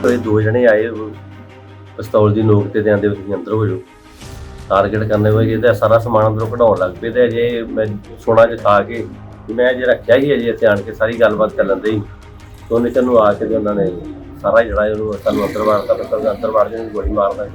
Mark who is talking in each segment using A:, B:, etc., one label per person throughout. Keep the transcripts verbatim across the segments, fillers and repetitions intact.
A: ਹੋਏ ਦੋ ਜਣੇ ਆਏ ਪਿਸਤੌਲ ਦੀ ਨੋਕ ਤੇ ਆਂਦੇ ਤੁਸੀਂ ਅੰਦਰ ਹੋ ਜਾਓ। टारगेट करने हुए तो सारा समान अंदरों कढ़ाउण लग पे। अजे मैं सोना च खा के मैं अजे रखा ही अजे इतने आन के सारी गलबात कर लेंदे ही तो उन्हें चलू आके तो उन्होंने सारा जड़ा सानू अंदर वारता मतलब अंदर वार के गोली मारदा।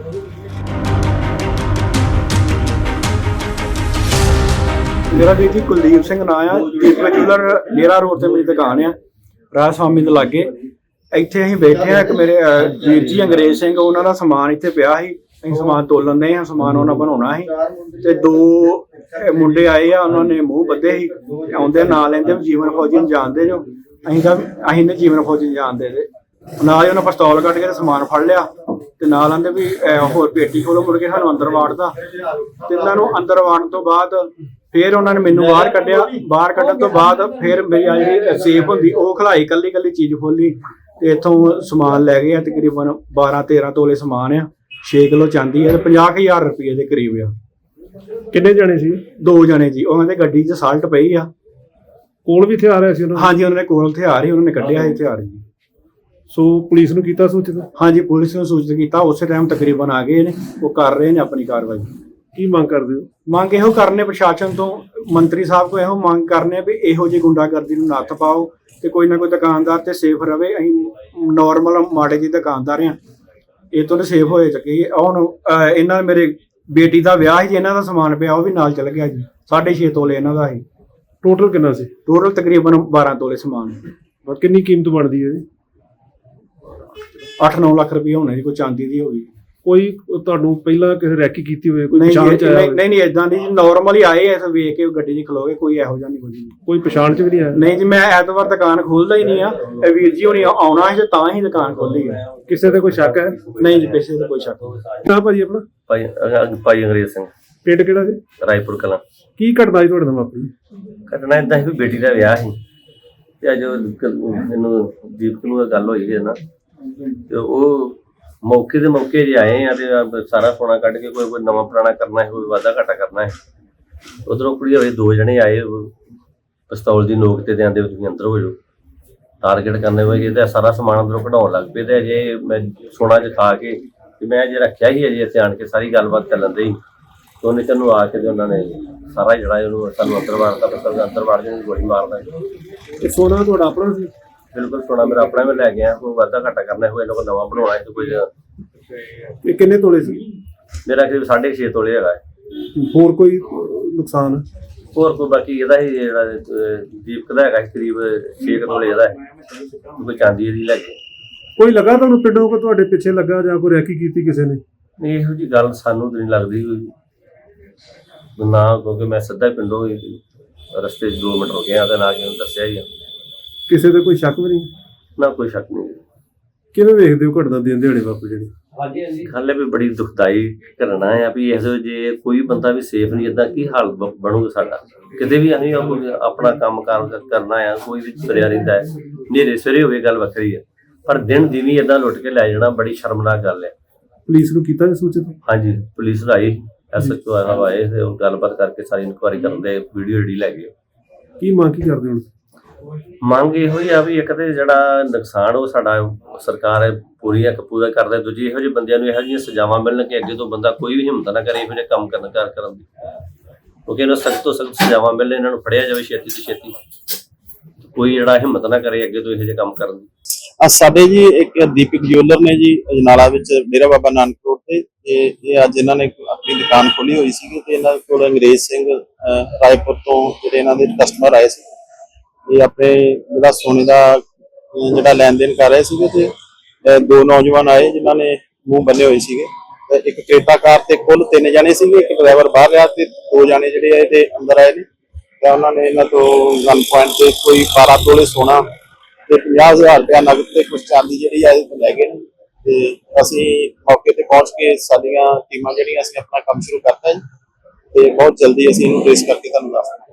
B: मेरा वीर जी कुलदीप सिंह नाम आ। दीपक ज्वैलर डेरा रोड से मेरी दुकान है राज स्वामी के लागे। इत्थे असीं बैठे हैं। एक मेरे वीर जी अंग्रेज सिंह उन्हों का समान इत्थे पिया ही ਅਸੀਂ ਸਮਾਨ ਤੋਲਣ ਦੇ ਹਾਂ। ਸਮਾਨ ਉਹਨਾਂ ਬਣਾਉਣਾ ਸੀ ਤੇ ਦੋ ਮੁੰਡੇ ਆਏ ਆ ਉਹਨਾਂ ਮੂੰਹ ਬੱਧੇ ਸੀ ਆਉਂਦੇ ਨਾਲ ਲੈਂਦੇ ਜੀਵਨ ਫੌਜੀ ਨੂੰ ਜਾਣਦੇ ਜੋ ਅਸੀਂ ਤਾਂ ਅਸੀਂ ਨੇ ਜੀਵਨ ਫੌਜੀ ਨੂੰ ਜਾਣਦੇ ਤੇ ਨਾਲ ਹੀ ਉਹਨਾਂ ਪਿਸਤੌਲ ਕੱਢ ਕੇ ਸਮਾਨ ਫੜ ਲਿਆ ਤੇ ਨਾਲ ਆਂਦੇ ਵੀ ਹੋਰ ਪੇਟੀ ਖੋਲੋ ਮੁੜ ਕੇ ਸਾਨੂੰ ਅੰਦਰ ਵਾੜਦਾ ਤੇ ਇਹਨਾਂ ਨੂੰ ਅੰਦਰ ਵਾੜਨ ਤੋਂ ਬਾਅਦ ਫਿਰ ਉਹਨਾਂ ਨੇ ਮੈਨੂੰ ਬਾਹਰ ਕੱਢਿਆ। ਬਾਹਰ ਕੱਢਣ ਤੋਂ ਬਾਅਦ ਫਿਰ ਮੇਰੀ ਆ ਜਿਹੜੀ ਸੇਫ ਹੁੰਦੀ ਉਹ ਖਲਾਈ ਕੱਲੀ ਕੱਲੀ ਚੀਜ਼ ਖੋਲੀ ਤੇ ਇੱਥੋਂ ਸਮਾਨ ਲੈ ਗਏ ਆ ਤਕਰੀਬਨ ਬਾਰਾਂ ਤੇਰਾਂ ਤੋਲੇ ਸਮਾਨ ਆ। छे किलो चांदी है पंजाह हज़ार रुपये के करीब आ।
C: किन्ने जने सी?
B: दो जने जी। उन्होंने गड्डी च साल्ट पई आ।
C: कोल भी हथियार है सी उन्होंने?
B: हाँ जी उन्होंने कोल हथियार ही उन्होंने कढ़िया है हथियार जी।
C: सो पुलिस नूं कीता सूचित?
B: हाँ जी पुलिस ने सूचित किया। उस टाइम तकरीबन आ गए ने वो कर रहे हैं अपनी कार्रवाई।
C: की मांग करदे हो?
B: मांग इहो करने प्रशासन तो मंत्री साहब को इहो मांग करने भी इहो जी गुंडागर्दी नूं नत्थ पाओ ते कोई ना कोई दुकानदार ते सेफ रवे। असीं नॉर्मल माड़े जी दुकानदार हैं ਇਹ ਤੋਂ ਸੇਫ ਹੋਏ ਚੱਕੇ। ਹੁਣ ਇਹਨਾਂ ਮੇਰੇ ਬੇਟੀ ਦਾ ਵਿਆਹ ਸੀ ਇਹਨਾਂ ਦਾ ਸਮਾਨ ਪਿਆ ਉਹ ਵੀ ਨਾਲ ਚਲ ਗਿਆ ਜੀ। ਸਾਢੇ ਛੇ ਤੋਲੇ ਇਹਨਾਂ ਦਾ ਸੀ।
C: ਟੋਟਲ ਕਿੰਨਾ ਸੀ?
B: ਟੋਟਲ ਤਕਰੀਬਨ ਬਾਰਾਂ ਤੋਲੇ ਸਮਾਨ।
C: ਔਰ ਕਿੰਨੀ ਕੀਮਤ ਬਣਦੀ ਹੈ ਜੀ?
B: ਅੱਠ ਨੌ ਲੱਖ ਰੁਪਏ ਹੋਣੇ ਜੀ ਕੋਈ ਚਾਂਦੀ ਦੀ ਹੋਈ।
C: ਕੋਈ ਤੁਹਾਨੂੰ ਪਹਿਲਾਂ ਕਿਸੇ ਰੈਕੀ ਕੀਤੀ ਹੋਵੇ ਕੋਈ
B: ਪਛਾਣ
C: ਚ ਆਇਆ?
B: ਨਹੀਂ ਨਹੀਂ ਇਦਾਂ ਦੀ ਨਾਰਮਲ ਹੀ ਆਏ ਐ ਵੇਖ ਕੇ ਗੱਡੀ 'ਚ ਖਲੋ ਗਏ ਕੋਈ ਇਹੋ ਜਿਹਾ ਨਹੀਂ ਕੋਈ
C: ਕੋਈ ਪਛਾਣ ਚ ਵੀ ਨਹੀਂ ਆਇਆ?
B: ਨਹੀਂ ਜੀ ਮੈਂ ਐਤਵਾਰ ਦੁਕਾਨ ਖੋਲਦਾ ਹੀ ਨਹੀਂ ਆ। ਇਹ ਵੀਰ ਜੀ ਹੁਣੀ ਆਉਣਾ ਸੀ ਤਾਂ ਹੀ ਦੁਕਾਨ ਖੋਲੀ ਹੈ।
C: ਕਿਸੇ ਤੇ ਕੋਈ ਸ਼ੱਕ ਹੈ?
B: ਨਹੀਂ ਜੀ ਕਿਸੇ ਤੇ ਕੋਈ ਸ਼ੱਕ ਨਹੀਂ।
C: ਨਾ ਭਾਜੀ ਆਪਣਾ?
A: ਭਾਈ ਭਾਈ ਅੰਗਰੇਜ਼ ਸਿੰਘ।
C: ਪਿੰਡ ਕਿਹੜਾ ਜੀ?
A: ਰਾਏਪੁਰ ਕਲਾਂ।
C: ਕੀ ਘਟਨਾ ਜੀ ਤੁਹਾਡੇ ਨਾਲ ਵਾਪਰੀ?
A: ਘਟਨਾ ਇਦਾਂ ਸੀ ਬੇਟੀ ਦਾ ਵਿਆਹ ਸੀ ਤੇ ਅੱਜ ਮੈਨੂੰ ਦੀਪਕ ਨੂੰ ਗੱਲ ਹੋਈ ਹੈ ਨਾ ਤੇ ਉਹ मौके के मौके जे आए हैं तो सारा सोना कट के कोई कोई नवा पुराना करना है कोई वादा घाटा करना है। उधरों कुड़ी होए दो जने आए पिस्तौल की नोक ते आंदे तुसीं अंदर हो जाओ। टारगेट करने हुए तो सारा समान अंदरों कढ़ाउण लग पे। अजे मैं सोना च खा के मैं अजे रखा ही अजे इतने आन के सारी गलबात कर लेंदे ही तो उन्हें चलू आके तो उन्होंने सारा जड़ा सानू अंदर वारता मतलब अंदर वार के गोली मारदा।
C: सोना तुहाडा अपना सी?
A: बिल्कुल सोना मेरा अपना भी लै गया कोई वादा घाटा करना हुआ इन्होंने नवा बनवाना है तो कोई।
C: किन्ने तोले सी?
A: मेरा करीब साढ़े छे तोले है।
C: होर कोई नुकसान?
A: होर कोई बाकी ਇਹਦਾ ਹੀ ਜਿਹੜਾ ਦੀਪਕ ਦਾ ਹੈਗਾ ਕਰੀਬ छे तोले ਇਹਦਾ ਕੋਈ ਚਾਂਦੀ ਇਹਦੀ ਲੈ ਗਏ।
C: ਕੋਈ ਲੱਗਾ ਤੁਹਾਨੂੰ ਪਿੰਡੋਂ ਕੋ ਤੁਹਾਡੇ ਪਿੱਛੇ ਲੱਗਾ ਜਾਂ ਕੋਈ ਰੈਕੀ ਕੀਤੀ ਕਿਸੇ ਨੇ?
A: ਨਹੀਂ ਇਹੋ ਜੀ ਗੱਲ ਸਾਨੂੰ ਤਾਂ ਨਹੀਂ ਲੱਗਦੀ ਨਾ ਕਿਉਂਕਿ ਮੈਂ ਸਿੱਧਾ ਪਿੰਡੋਂ ਰਸਤੇ 'ਚ ਦੋ ਮਿੰਟ ਹੋ ਗਏ ਆ ਤੇ ਨਾ ਕਿ ਉਹਨੂੰ ਦੱਸਿਆ ਹੀ ਆ।
C: ਕਿਸੇ ਤੇ ਕੋਈ ਸ਼ੱਕ ਵੀ ਨਹੀਂ?
A: ਨਾ ਕੋਈ ਸ਼ੱਕ ਨਹੀਂ।
C: ਕਿਵੇਂ ਵੇਖਦੇ ਹੋ ਘਟਨਾ ਦਿਨ ਦਿਹਾੜੇ ਵਾਪਰ ਜਿਹੜੀ?
A: ਹਾਂਜੀ ਹਾਂਜੀ ਹਾਲੇ ਵੀ ਬੜੀ ਦੁਖਦਾਈ ਘਟਨਾ ਆ ਵੀ ਇਸ ਜੇ ਕੋਈ ਬੰਦਾ ਵੀ ਸੇਫ ਨਹੀਂ ਇਦਾਂ ਕੀ ਹਾਲ ਬਣੂਗਾ ਸਾਡਾ ਕਿਤੇ ਵੀ। ਅਸੀਂ ਆਪਣਾ ਕੰਮ ਕਾਰ ਕਰਨਾ ਆ ਕੋਈ ਵੀ ਤੁਰਿਆ ਰਹਿੰਦਾ ਹੈ ਨੇਰੇ ਸਵੇਰੇ ਹੋਵੇ ਗੱਲ ਵੱਖਰੀ ਹੈ ਪਰ ਦਿਨ ਦਿਨੀ ਇਦਾਂ ਲੁੱਟ ਕੇ ਲੈ ਜਾਣਾ ਬੜੀ ਸ਼ਰਮਨਾਕ ਗੱਲ ਹੈ।
C: ਪੁਲਿਸ ਨੂੰ ਕੀਤਾ ਸੂਚਿਤ?
A: ਹਾਂਜੀ ਪੁਲਿਸ ਆਈ ਐਸ ਐਚ ਓ ਆਏ ਤੇ ਉਹ ਗੱਲਬਾਤ ਕਰਕੇ ਸਾਰੀ ਇਨਕੁਆਇਰੀ ਕਰਦੇ ਵੀਡੀਓ ਜਿਹੜੀ ਲੈ ਗਏ।
C: ਕੀ ਮੰਗ ਕੀ ਕਰਦੇ ਹੁਣ?
A: ਮੰਗ ਇਹੋ ਹੀ ਆ ਵੀ ਇੱਕ ਤੇ ਜਿਹੜਾ ਨੁਕਸਾਨ ਉਹ ਸਾਡਾ ਸਰਕਾਰ ਪੂਰੀ ਇੱਕ ਪੂਰਾ ਕਰਦਾ। ਦੂਜੀ ਇਹੋ ਜਿਹੇ ਬੰਦਿਆਂ ਨੂੰ ਇਹੋ ਜਿਹੀਆਂ ਸਜ਼ਾਵਾਂ ਮਿਲਣ ਕਿ ਅੱਗੇ ਤੋਂ ਬੰਦਾ ਕੋਈ ਵੀ ਹਿੰਮਤ ਨਾ ਕਰੇ ਇਹੋ ਜਿਹੇ ਕੰਮ ਕਰਨ ਕਰ ਕਰਨ ਦੀ ਕਿਉਂਕਿ ਇਹਨਾਂ ਸਖਤ ਤੋਂ ਸਖਤ ਸਜ਼ਾਵਾਂ ਮਿਲਣ ਇਹਨਾਂ ਨੂੰ ਫੜਿਆ ਜਾਵੇ ਛੇਤੀ ਤੋਂ ਛੇਤੀ ਕੋਈ ਜਿਹੜਾ ਹਿੰਮਤ ਨਾ ਕਰੇ ਅੱਗੇ ਤੋਂ ਇਹੋ ਜਿਹੇ ਕੰਮ ਕਰਨ ਦੀ।
D: ਅੱਜ ਸਾਡੇ ਜੀ ਇੱਕ ਦੀਪਕ ਜਿਊਲਰ ਨੇ ਜੀ ਅਜਨਾਲਾ ਵਿੱਚ ਡੇਰਾ ਬਾਬਾ ਨਾਨਕ ਰੋਡ ਤੇ ਇਹ ਅੱਜ ਇਹਨਾਂ ਨੇ ਆਪਣੀ ਦੁਕਾਨ ਖੋਲੀ ਹੋਈ ਸੀ ਤੇ ਇਹਨਾਂ ਕੋਲ ਅੰਗਰੇਜ਼ ਸਿੰਘ ਰਾਏਪੁਰ ਤੋਂ ਜਿਹੜੇ ਇਹਨਾਂ ਦੇ ਕਸਟਮਰ ਆਏ ਸੀ ਇਹ ਆਪਣੇ ਜਿਹੜਾ ਸੋਨੇ ਦਾ ਜਿਹੜਾ ਲੈਣ ਦੇਣ ਕਰ ਰਹੇ ਸੀਗੇ ਤੇ ਦੋ ਨੌਜਵਾਨ ਆਏ ਜਿਨ੍ਹਾਂ ਨੇ ਮੂੰਹ ਬੰਨੇ ਹੋਏ ਸੀਗੇ ਤੇ ਇੱਕ ਕ੍ਰੇਟਾ ਕਾਰ ਤੇ ਕੁੱਲ ਤਿੰਨ ਜਣੇ ਸੀਗੇ ਇੱਕ ਡਰਾਈਵਰ ਬਾਹਰ ਰਿਹਾ ਤੇ ਦੋ ਜਣੇ ਜਿਹੜੇ ਆਏ ਤੇ ਅੰਦਰ ਆਏ ਨੇ ਤੇ ਉਹਨਾਂ ਨੇ ਇਹਨਾਂ ਤੋਂ ਗਨ ਪੁਆਇੰਟ ਤੇ ਕੋਈ ਬਾਰਾਂ ਤੋਲੇ ਸੋਨਾ ਤੇ ਪੰਜਾਹ ਹਜ਼ਾਰ ਰੁਪਇਆ ਨਗਦ ਤੇ ਕੁਝ ਚਾਂਦੀ ਜਿਹੜੀ ਆ ਇਹ ਲੈ ਗਏ ਨੇ ਤੇ ਅਸੀਂ ਮੌਕੇ ਤੇ ਪਹੁੰਚ ਕੇ ਸਾਡੀਆਂ ਟੀਮਾਂ ਜਿਹੜੀਆਂ ਅਸੀਂ ਆਪਣਾ ਕੰਮ ਸ਼ੁਰੂ ਕਰਤਾ ਜੀ ਤੇ ਬਹੁਤ ਜਲਦੀ ਅਸੀਂ ਇਹਨੂੰ ਟ੍ਰੇਸ ਕਰਕੇ ਤੁਹਾਨੂੰ ਦੱਸਾਂਗੇ।